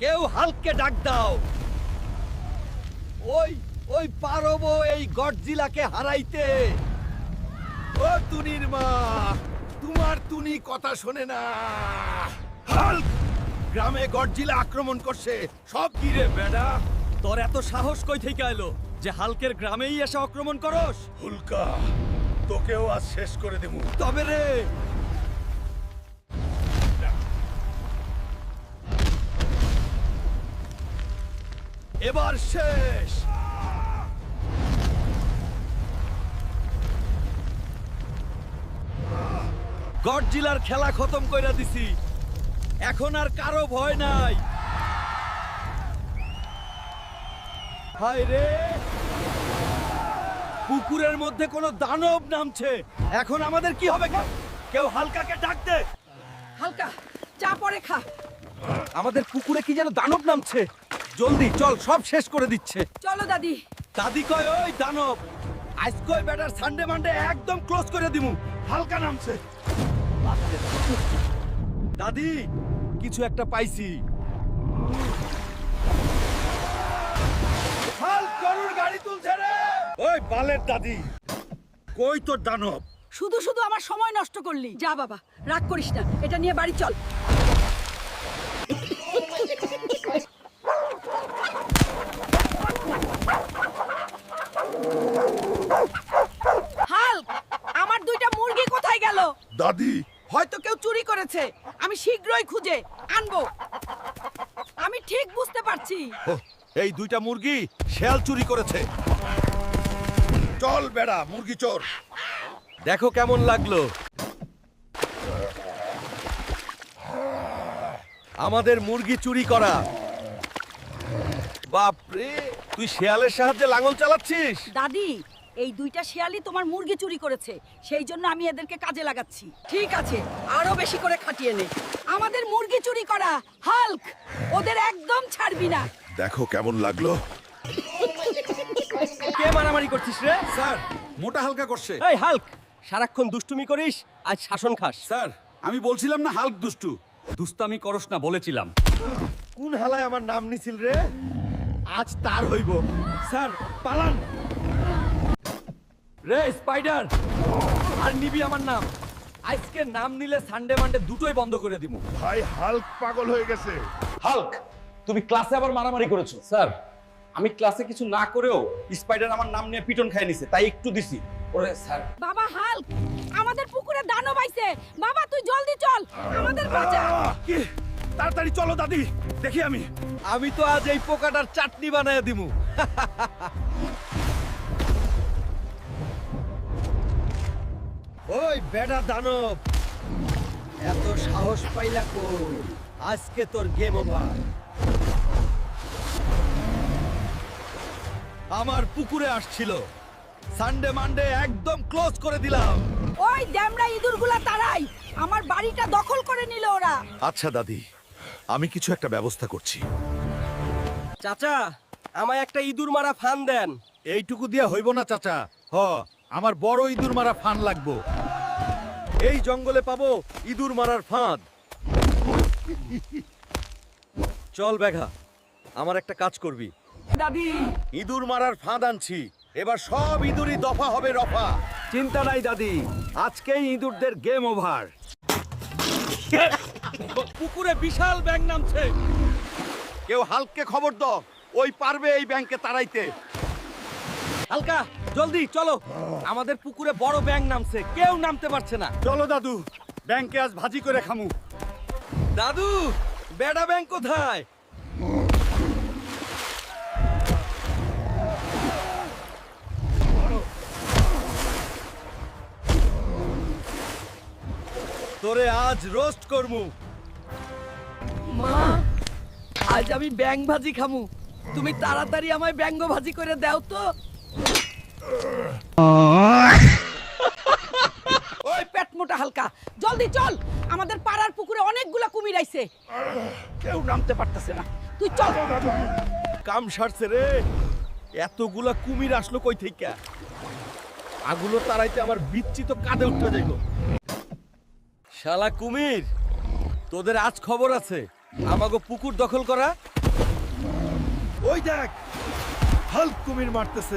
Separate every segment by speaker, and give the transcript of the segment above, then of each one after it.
Speaker 1: কেউ হালককে ডাক দাও। ওই ওই পারবো এই গডজিলাকে হারাইতে। ও তুনির মা, তোমার তুনি কথা শোনে না। হাল্ক, গ্রামে গডজিলা আক্রমণ করছে। সব কি রে বেডা? তোর এত সাহস কই থেকে এলো যে হালকের গ্রামেই এসে আক্রমণ করস?
Speaker 2: হুলকা, তোকেও আজ শেষ করে দেবো।
Speaker 1: তবে রে, এবার শেষ। গডজিলার খেলা খতম কইরা দিছি, এখন আর কারো ভয় নাই। হায় রে, পুকুরের মধ্যে কোনো দানব নামছে। এখন আমাদের কি হবে? কেউ হালকাকে ডাক দে।
Speaker 3: হালকা চা পরে খা।
Speaker 1: আমাদের পুকুরে কি যেন দানব নামছে। জলদি চল, সব শেষ করে দিচ্ছে।
Speaker 3: চলো দাদি।
Speaker 1: দাদি কয় ওই দানব আজ কয় ব্যাটার সানডে মানডে একদম ক্লোজ করে দিমু। হালকা নামছে। দাদি, কিছু একটা পাইছি। হাল গরুর গাড়ি তুলছে রে। ওই বালের দাদি, কই তোর দানব?
Speaker 3: শুধু শুধু আমার সময় নষ্ট করলি। যা বাবা, রাগ করিস না, এটা নিয়ে বাড়ি চল। হাল্ক, আমার দুইটা মুরগি কোথায় গেল?
Speaker 2: দাদি,
Speaker 3: হয়তো কেউ চুরি করেছে। আমি শীঘ্রই খুঁজে আনবো। আমি ঠিক বুঝতে পারছি।
Speaker 1: এই দুইটা মুরগি শেয়াল চুরি করেছে।
Speaker 2: চল বেড়া, মুরগি চোর।
Speaker 1: দেখো কেমন লাগলো। আমাদের মুরগি চুরি করা। বাপরে, তুই শেয়ালের সাহায্যে লাঙল চালাচ্ছিস?
Speaker 3: দাদি, এই দুইটা শিয়ালই তোমার মুরগি চুরি করেছে, সেই জন্য আমি এদেরকে কাজে লাগাচ্ছি। ঠিক আছে, আরো বেশি করে খাটিয়ে নে। আমাদের মুরগি চুরি করা। হাল্ক, ওদের একদম ছাড়বি না।
Speaker 2: দেখো কেমন লাগলো।
Speaker 1: কে মারামারি করছিস রে?
Speaker 4: স্যার, মোটা হালকা করছে।
Speaker 1: এই হাল্ক, সারাক্ষণ দুষ্টুমি করিস, আজ শাসন খাস।
Speaker 4: স্যার, আমি বলছিলাম না হাল্ক দুষ্টু।
Speaker 1: দুস্তামি করস না বলেছিলাম। কোন হালায় আমার নাম নিছিল রে? আজ তার হইব। স্যার পালান। রে স্পাইডার, আর নিবি আমার নাম। আজকে নাম নিলে সানডে মানডে দুটোই বন্ধ করে দিব।
Speaker 2: ভাই হাল্ক পাগল হয়ে গেছে।
Speaker 5: হাল্ক, তুমি ক্লাসে আবার মারামারি করেছো। স্যার, আমি ক্লাসে কিছু না করেও স্পাইডার আমার নাম নিয়ে পিটন খাই নিছে, তাই একটু দিছি। ওরে স্যার,
Speaker 3: বাবা হাল্ক, আমাদের পুকুরে দানব আইছে। বাবা তুই জলদি চল, আমাদের বাঁচা।
Speaker 1: কি? তাড়াতাড়ি চলো দাদি, দেখি আমি তো আজ এই পোকাটার চাটনি বানায় দিমু। ওই বেটা দানব, এত সাহস পাইলা কই? আজকে তোর গেম ওভার। আমার পুকুরে আসছিল, সানডে মানডে একদম ক্লোজ করে দিলাম।
Speaker 3: ওই ড্যামরা ইঁদুরগুলা তাড়াই, আমার বাড়িটা দখল করে নিল ওরা।
Speaker 2: আচ্ছা দাদি, আমি কিছু একটা ব্যবস্থা করছি।
Speaker 1: চাচা, আমায় একটা ইঁদুর মারা ফান দেন।
Speaker 4: এইটুকু দিয়ে হইব না চাচা। আমার বড় ইঁদুর মারা ফান লাগবো।
Speaker 1: এই জঙ্গলে পাবো ইঁদুর মারার ফাঁদ। চল বেঘা, আমার একটা কাজ করবি।
Speaker 3: দাদি,
Speaker 1: ইঁদুর মারার ফাঁদ আনছি, এবার সব ইঁদুরই দফা হবে রফা। চিন্তা নাই দাদি, আজকেই ইঁদুরদের গেম ওভার। পুকুরে বিশাল ব্যাঙ নামছে। কেউ হালককে খবর দাও, ওই পারবে এই ব্যাংকে তাড়াইতে। হালকা, জলদি চলো, আমাদের পুকুরে বড় ব্যাঙ নামছে, কেউ নামতে পারছে না।
Speaker 4: চলো দাদু, ব্যাংকে আজ ভাজি করে খামু।
Speaker 1: দাদু, বেডা ব্যাঙ কোথায়? তোরে আজ রোস্ট করমু।
Speaker 3: মা, আজ আমি ব্যাং ভাজি খামু। তুমি তাড়াতাড়ি আমায় ব্যাঙ্গ ভাজি করে দাও তো। ওই পেট মোটা হালকা, জলদি চল, আমাদের পাড়ার পুকুরে অনেকগুলা কুমির আইছে।
Speaker 2: কেউ নামতে পারতেছে না।
Speaker 3: তুই চল।
Speaker 1: কাম সারছে রে, এতগুলা কুমির আসলো কই থেকে? আগুলো তারাইতে আমার বিচ্ছি তো কাঁধে উঠতে যাইব। শালা কুমির, তোদের আজ খবর আছে। আমাগো পুকুর দখল করা। ওই দেখ, হাল্ক কুমির মারতেছে।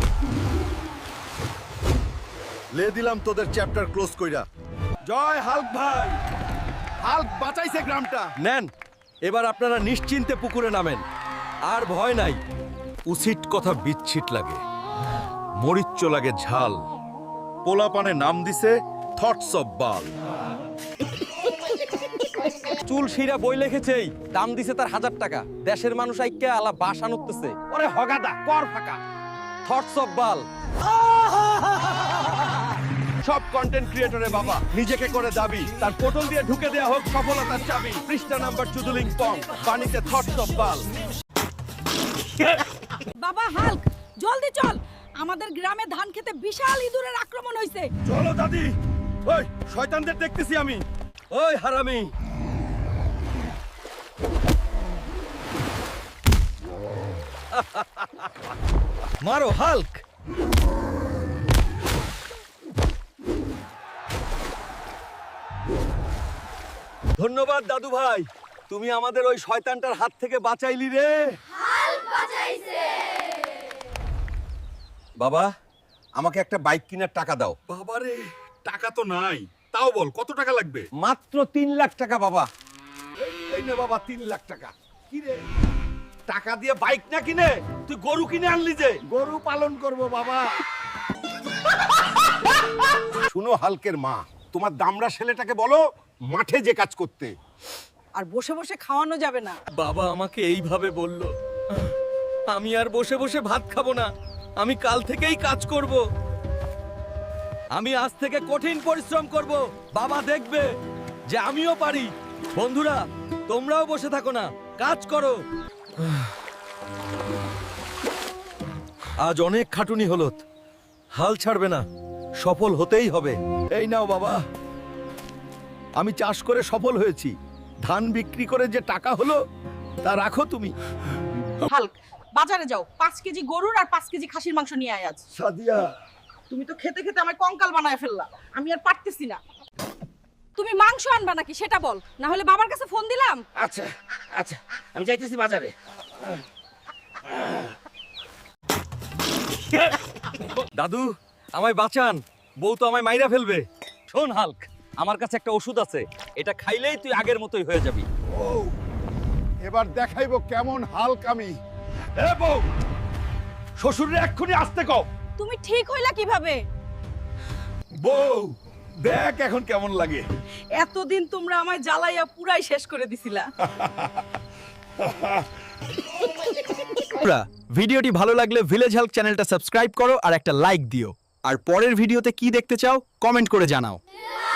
Speaker 2: লে দিলাম তোদের চ্যাপ্টার ক্লোজ কইরা।
Speaker 1: জয় হাল্ক ভাই, হাল্ক বাঁচাইছে গ্রামটা। নেন, এবার আপনারা নিশ্চিন্তে পুকুরে নামেন, আর ভয় নাই।
Speaker 2: উচিত কথা বিচ্ছিট লাগে, মরিচ্চ লাগে ঝাল। পোলাপানে নাম দিছে থটস অফ বাল।
Speaker 5: চুল শিরা বই লিখেছেই, দাম দিছে তার 1000 টাকা। দেশের মানুষ আইক্যা আলা বাসা নুকতেছে। ওরে হগাদা কর ফাঁকা, থটস অফ বাল।
Speaker 1: সব কন্টেন্ট ক্রিয়েটরে বাবা নিজেকে করে দাবি, তার পোর্টাল দিয়ে ঢুকে দেয়া হোক সফলতার চাবি। পৃষ্ঠা নাম্বার চুদুলিং পং, বাণীতে থটস অফ বাল।
Speaker 3: বাবা হাল্ক, জলদি চল, আমাদের গ্রামে ধান খেতে বিশাল ইঁদুরের আক্রমণ হয়েছে।
Speaker 1: চলো দাদি, ওই শয়তানদের দেখতেছি আমি। ওই হারামি, মারো হাল্ক। ধন্যবাদ দাদু ভাই, তুমি আমাদের ওই শয়তানটার হাত থেকে বাঁচাইলি রে। বাবা, আমাকে একটা বাইক কেনার টাকা দাও।
Speaker 2: বাবারে, টাকা তো নাই, তাও বল কত টাকা লাগবে?
Speaker 5: মাত্র 3 লাখ টাকা বাবা।
Speaker 1: এই নে বাবা 3 লাখ টাকা। কি রে, টাকা দিয়ে বাইক না কিনে তুই গরু কিনে আনলি যে?
Speaker 2: গরু পালন করব বাবা। শুনো হালকের মা, তোমার দামড়া ছেলেটাকে বলো মাঠে যে কাজ করতে।
Speaker 3: আর বসে বসে খাওয়ানো যাবে না।
Speaker 1: বাবা আমাকে এইভাবে বলল, আমি আর বসে বসে ভাত খাবো না, আমি কাল থেকেই কাজ করব। আমি আজ থেকে কঠিন পরিশ্রম করব, বাবা দেখবে যে আমিও পারি। বন্ধুরা, তোমরাও বসে থাকো না, কাজ করো। আজ অনেক খাটুনি হলো, হাল ছাড়বে না, সফল হতেই হবে। এই নাও বাবা, আমি চাষ করে সফল হয়েছি, ধান বিক্রি করে যে টাকা হলো তা রাখো তুমি।
Speaker 3: হাল্ক, বাজারে যাও, 5 কেজি গরুর আর 5 কেজি খাসির মাংস নিয়ে আয় আজ।
Speaker 1: সাদিয়া,
Speaker 3: তুমি তো খেতে খেতে আমার কঙ্কাল বানায় ফেললা, আমি আর পারতেছি না। তুমি মাংস আনবা নাকি সেটা বল, না হলে বাবার কাছে ফোন দিলাম।
Speaker 5: আচ্ছা আচ্ছা, আমি যাইতেছি বাজারে।
Speaker 1: দাদু আমায় বাঁচান, বউ তো আমায় মাইরা ফেলবে।
Speaker 5: শোন হাল্ক, আমার কাছে একটা ওষুধ আছে, এটা খাইলেই তুই আগের মতোই হয়ে যাবি।
Speaker 2: এবার দেখাইবো কেমন হালক আমি।
Speaker 1: এ বউ, শ্বশুরে এক্ষুনি আসতে কও।
Speaker 3: তুমি ঠিক হইলা কিভাবে?
Speaker 1: বউ দেখ এখন কেমন লাগে।
Speaker 3: এতদিন তোমরা আমায় জ্বালাইয়া পুরাই শেষ করে দিছিলা।
Speaker 6: ভিডিওটি ভালো লাগলে ভিলেজ হেল্প চ্যানেলটা সাবস্ক্রাইব করো আর একটা লাইক দিও। আর পরের ভিডিওতে কি দেখতে চাও কমেন্ট করে জানাও।